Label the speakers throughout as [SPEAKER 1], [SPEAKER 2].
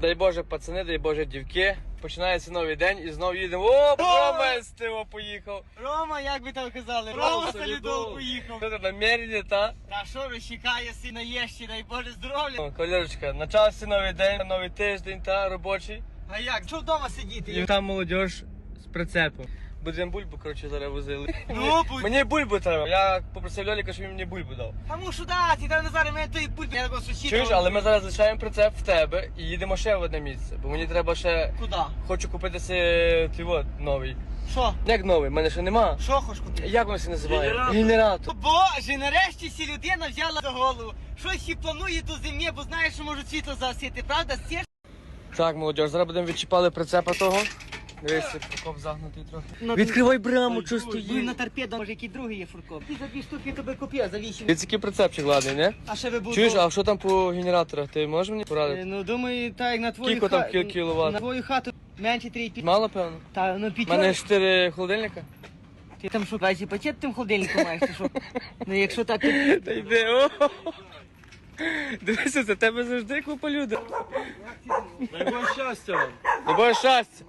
[SPEAKER 1] Дай Боже, пацани, дай Боже, дівки. Починається новий день і знову їдемо. О, Рома з Тиво поїхав.
[SPEAKER 2] Рома, як би там казали, Рома Солідол поїхав.
[SPEAKER 1] Що ти намірені, та?
[SPEAKER 2] Та що розчекає сина єщі, дай Боже здоров'я.
[SPEAKER 1] Кавалерочка, почався новий день, новий тиждень, та робочий.
[SPEAKER 2] А як? Що вдома сидіти?
[SPEAKER 1] І там молодіж з прицепом. Будемо бульбу, коротше, зараз возили.
[SPEAKER 2] Ну,
[SPEAKER 1] Мені бульбу треба. Я попросив Льоліка, щоб він мені бульбу дав.
[SPEAKER 2] Тому що дати, та Назаре, мене той пульт, я такого сусіда.
[SPEAKER 1] Чуєш, але ми зараз лишаємо прицеп в тебе і їдемо ще в одне місце. Бо мені треба ще...
[SPEAKER 2] Куди?
[SPEAKER 1] Хочу купити твій новий.
[SPEAKER 2] Що?
[SPEAKER 1] Як новий? У мене ще нема.
[SPEAKER 2] Що хочеш купити?
[SPEAKER 1] Як воно це називає? Генератор.
[SPEAKER 2] Боже, нарешті сі людина взяла за голову. Щось ще планує до зимі, бо знаєш, що можуть світло засіти, правда? Сєш?
[SPEAKER 1] Так, молодіж, зараз будемо відчіпали прицепа того. Дивись, фуркоп загнутий трохи.
[SPEAKER 2] Ну,
[SPEAKER 1] Відкривай браму, що
[SPEAKER 2] Ну,
[SPEAKER 1] стоїть.
[SPEAKER 2] на торпедо, може, який другий є фуркоп. Ти за 2 штуки тобі купив, за 8.
[SPEAKER 1] Дивіться, який прицепчик ладний, не?
[SPEAKER 2] А ще ви будете...
[SPEAKER 1] Чуєш, а що там по генераторах? Ти можеш мені порадити?
[SPEAKER 2] Ну, думаю, так, як на твою
[SPEAKER 1] Скільки там
[SPEAKER 2] хату...
[SPEAKER 1] кіловат?
[SPEAKER 2] На твою хату менше 3,5.
[SPEAKER 1] Мало, певно?
[SPEAKER 2] Та, ну,
[SPEAKER 1] У
[SPEAKER 2] 5.
[SPEAKER 1] мене 4 холодильника.
[SPEAKER 2] Ти там що, бачиш, пакет тим холодильником маєш, чи що? Ну, якщо так, то...
[SPEAKER 1] Та йди, о! Дивися, за тебе завжди купа людей.
[SPEAKER 3] Дай Боже щастя вам.
[SPEAKER 1] Дай щастя.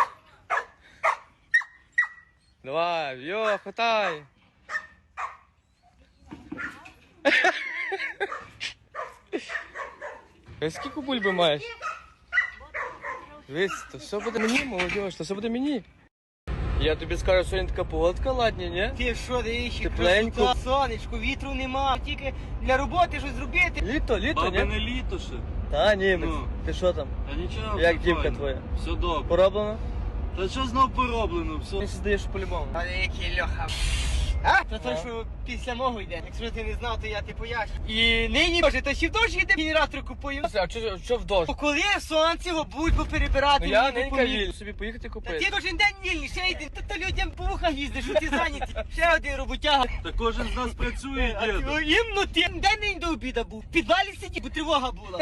[SPEAKER 1] Давай, йо, хватай. Скільки бульби маєш? Дивись, то все буде мені, молодіж, то все буде мені. Я тобі скажу, сьогодні така погодка ладня, ні?
[SPEAKER 2] Ти що, дивись,
[SPEAKER 1] Тепленько.
[SPEAKER 2] красота, сонечко, вітру нема, тільки для роботи щось зробити.
[SPEAKER 1] Літо,
[SPEAKER 3] Баби
[SPEAKER 1] ні?
[SPEAKER 3] не літо ще.
[SPEAKER 1] Та, німець.
[SPEAKER 3] Ну.
[SPEAKER 1] Ти що там?
[SPEAKER 3] Та нічого.
[SPEAKER 1] Як
[SPEAKER 3] все
[SPEAKER 1] дівка
[SPEAKER 3] файно.
[SPEAKER 1] твоя?
[SPEAKER 3] Все добре.
[SPEAKER 1] Пороблено?
[SPEAKER 3] Та що знов пороблено?
[SPEAKER 1] Мені
[SPEAKER 3] Все.
[SPEAKER 1] здаєш по-любому.
[SPEAKER 2] Але який Льоха. А? То той,
[SPEAKER 1] А?
[SPEAKER 2] що після мого йде. Якщо ти не знав, то я ти поясню. І нині, Боже, то ще в дощ йде генератор купую.
[SPEAKER 1] А що в дощ?
[SPEAKER 2] Бо коли сонце його будуть поперебирати,
[SPEAKER 1] Ну я
[SPEAKER 2] мені
[SPEAKER 1] ненька
[SPEAKER 2] допоміг.
[SPEAKER 1] вільний, собі поїхати
[SPEAKER 2] Та
[SPEAKER 1] купити.
[SPEAKER 2] ти кожен день вільний, ще йди. Та людям по вухах їздиш, що ти зайняті. Ще один роботяга.
[SPEAKER 3] Та кожен з нас працює,
[SPEAKER 2] А
[SPEAKER 3] діду.
[SPEAKER 2] ти іменно ти день не до обіда був. В підвалі сидів, бо тривога була.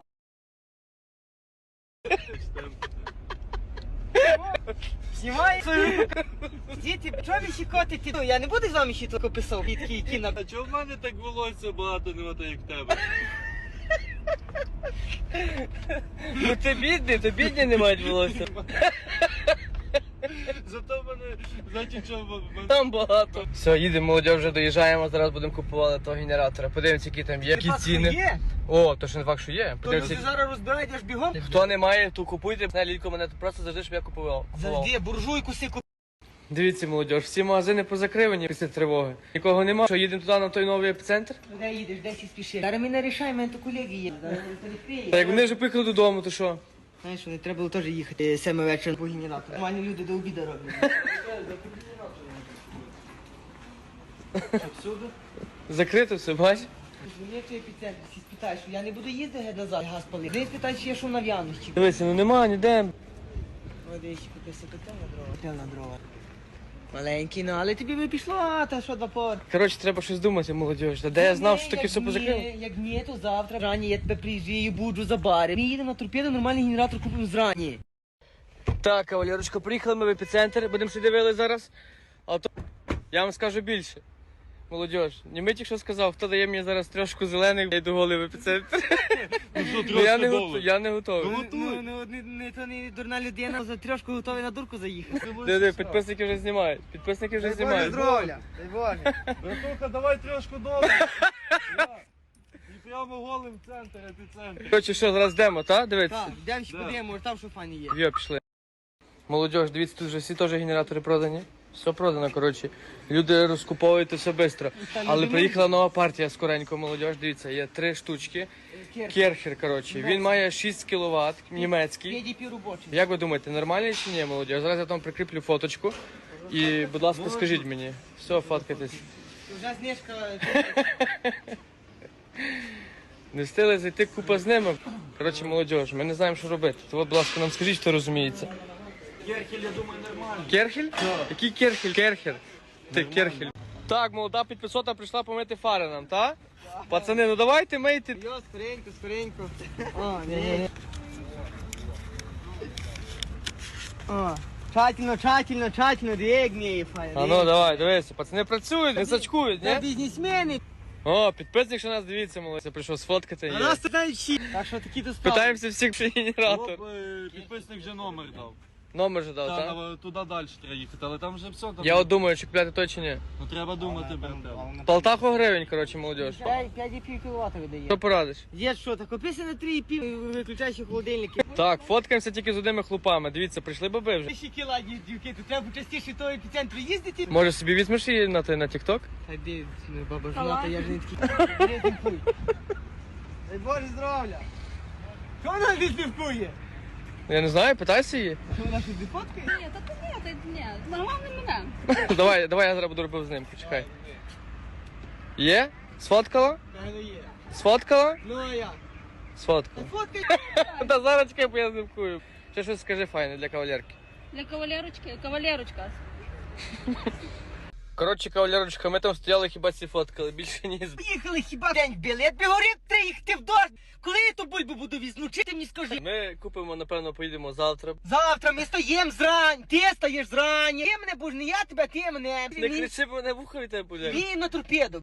[SPEAKER 2] Знімай свою. Діти, чого ви щекотите? Ну, я не буду з вами ще тільки писав. Такий кіно.
[SPEAKER 3] А чого в мене так волосся багато нема, так як в тебе?
[SPEAKER 1] Ну ти бідний, то бідні не мають волосся.
[SPEAKER 3] Зато в мене, значить, що в мене...
[SPEAKER 1] Там багато. Все, їдемо, молодь, вже доїжджаємо, зараз будемо купувати того генератора. Подивимося, які там є, які ціни.
[SPEAKER 2] Є?
[SPEAKER 1] О, то що не факт, що є.
[SPEAKER 2] То ти
[SPEAKER 1] Подивимося.
[SPEAKER 2] зараз розбираєш бігом?
[SPEAKER 1] Хто не має, то купуйте. Не, Лілько, мене тут просто завжди, щоб я купував.
[SPEAKER 2] Завжди, буржуйку си купив.
[SPEAKER 1] Дивіться, молодь, всі магазини позакривані після тривоги. Нікого нема. Що, їдемо туди на той новий епіцентр?
[SPEAKER 2] Де їдеш, де всі спішиш? Зараз ми не рішаємо, мене то колеги є. Зараз не відкриє.
[SPEAKER 1] Та як вони вже поїхали додому, то що?
[SPEAKER 2] Знаєш, не треба було теж їхати 7 вечора по генератору. Нормальні люди до обіду роблять.
[SPEAKER 3] Всюди?
[SPEAKER 1] Закрито все, бач?
[SPEAKER 2] Мені той епіцентр, всі спитають, що я не буду їздити геть назад, газ палити. Вони спитають, чи є що на в'яності.
[SPEAKER 1] Дивися, ну нема ніде.
[SPEAKER 2] Ой, дивись, купився котел на дрова. Котел на дрова. Маленький, ну, але тобі би пішло, а та що два пор.
[SPEAKER 1] Коротше, треба щось думати, молодь. Та де я знав, що таке все позакрило?
[SPEAKER 2] Як ні, то завтра рані я тебе приїжджаю, буджу за бари. Ми їдемо на торпеду, нормальний генератор купимо зрані.
[SPEAKER 1] Так, кавалерочка, приїхали ми в епіцентр, будемо ще дивили зараз. А то я вам скажу більше. Молодіж, Німитік що сказав, хто дає мені зараз трьошку зелених, я йду голий в епіцентр.
[SPEAKER 3] Ну що,
[SPEAKER 1] Ну, я
[SPEAKER 3] трошки
[SPEAKER 1] я не готовий.
[SPEAKER 3] Ну, готуй.
[SPEAKER 2] То не дурна людина, за трьошку готовий на дурку заїхати.
[SPEAKER 1] Диви, підписники вже знімають. Підписники вже знімають.
[SPEAKER 2] здоров'я, дай Боже.
[SPEAKER 3] Братуха, давай трьошку долу. І прямо голим в центр, епіцентр.
[SPEAKER 1] Коротше, що, зараз йдемо, так? Дивіться.
[SPEAKER 2] Так, йдемо ще
[SPEAKER 3] Да.
[SPEAKER 2] подивимо, може там що фані є.
[SPEAKER 1] Йо, пішли. Молодіж, дивіться, тут вже всі теж генератори продані. Все продано, коротше. Люди розкуповують все швидко. Але приїхала нова партія скоренько, молодіж. Дивіться, є 3 штучки. Керхер, коротше. Він має 6 кВт, німецький.
[SPEAKER 2] PDP робочий.
[SPEAKER 1] Як ви думаєте, нормальний чи ні, молодіж? Зараз я там прикріплю фоточку. І, будь ласка, скажіть мені. Все, фоткайтесь.
[SPEAKER 2] Вже знижка.
[SPEAKER 1] Не встигли зайти купа з ними. Коротше, молодіж, ми не знаємо, що робити. То, будь ласка, нам скажіть, хто розуміється.
[SPEAKER 3] Керхель, я думаю, нормально.
[SPEAKER 1] Керхель? Який керхель? Керхер. Ти керхель. Так, молода підписота прийшла помити фари нам, так? Пацани, ну давайте мийте.
[SPEAKER 2] Йо, скоренько, скоренько. О, ні. О, тщательно, як міє файно.
[SPEAKER 1] А ну давай, дивися, пацани працюють, не сачкують,
[SPEAKER 2] Це
[SPEAKER 1] ні?
[SPEAKER 2] бізнесмени.
[SPEAKER 1] О, підписник, що нас дивіться, молодець. Прийшов сфоткати.
[SPEAKER 2] А
[SPEAKER 1] Є.
[SPEAKER 2] нас знають всі. Так що такі то справи.
[SPEAKER 1] Питаємося всіх, що є генератор.
[SPEAKER 3] Оп, підписник вже номер дав.
[SPEAKER 1] Номер же дав,
[SPEAKER 3] Та,
[SPEAKER 1] так?
[SPEAKER 3] туди далі треба їхати, але там вже все. Там
[SPEAKER 1] Я от думаю, чи купляти той чи ні.
[SPEAKER 3] Ну треба думати, брате.
[SPEAKER 1] Полтаху гривень, коротше, молодіж.
[SPEAKER 2] 5,5 кВт видає.
[SPEAKER 1] Що порадиш?
[SPEAKER 2] Дід, що, так купися на 3,5, виключаючи холодильники.
[SPEAKER 1] Так, фоткаємося тільки з одними хлопами. Дивіться, прийшли баби вже.
[SPEAKER 2] Ще кіла, дівки, то треба частіше того епіцентру їздити.
[SPEAKER 1] Може собі візьмеш її на TikTok?
[SPEAKER 2] Та де, баба жена, я ж не такий. Не дивкуй. Дай Боже здоров'я. Що вона не дивкує?
[SPEAKER 1] Я не знаю, питайся її.
[SPEAKER 2] Що вона щось не фоткає?
[SPEAKER 4] Ні, ні, нормальний мене.
[SPEAKER 1] Давай я зараз буду робив з ним, почекай. Є? Сфоткала?
[SPEAKER 2] Певно є.
[SPEAKER 1] Сфоткала?
[SPEAKER 2] Ну а я.
[SPEAKER 1] Сфоткала.
[SPEAKER 2] Фоткай.
[SPEAKER 1] Та зараз чекай, бо я знимкую. Ще щось скажи файне для кавалерки.
[SPEAKER 4] Для кавалерочки, кавалерочка.
[SPEAKER 1] Коротше, кавалерочка, ми там стояли, хіба ці фоткали, більше ні.
[SPEAKER 2] Поїхали хіба день били, я тобі говорив, треба їхати в дощ. Коли я ту бульбу буду візну, чи ти мені скажи?
[SPEAKER 1] Ми купимо, напевно, поїдемо завтра.
[SPEAKER 2] Завтра ми стоїм зрань, ти стаєш зрані. Ти мене будеш, не я тебе, ти мене.
[SPEAKER 1] Не кричи, бо мене вуха від тебе буде.
[SPEAKER 2] Він на торпеду.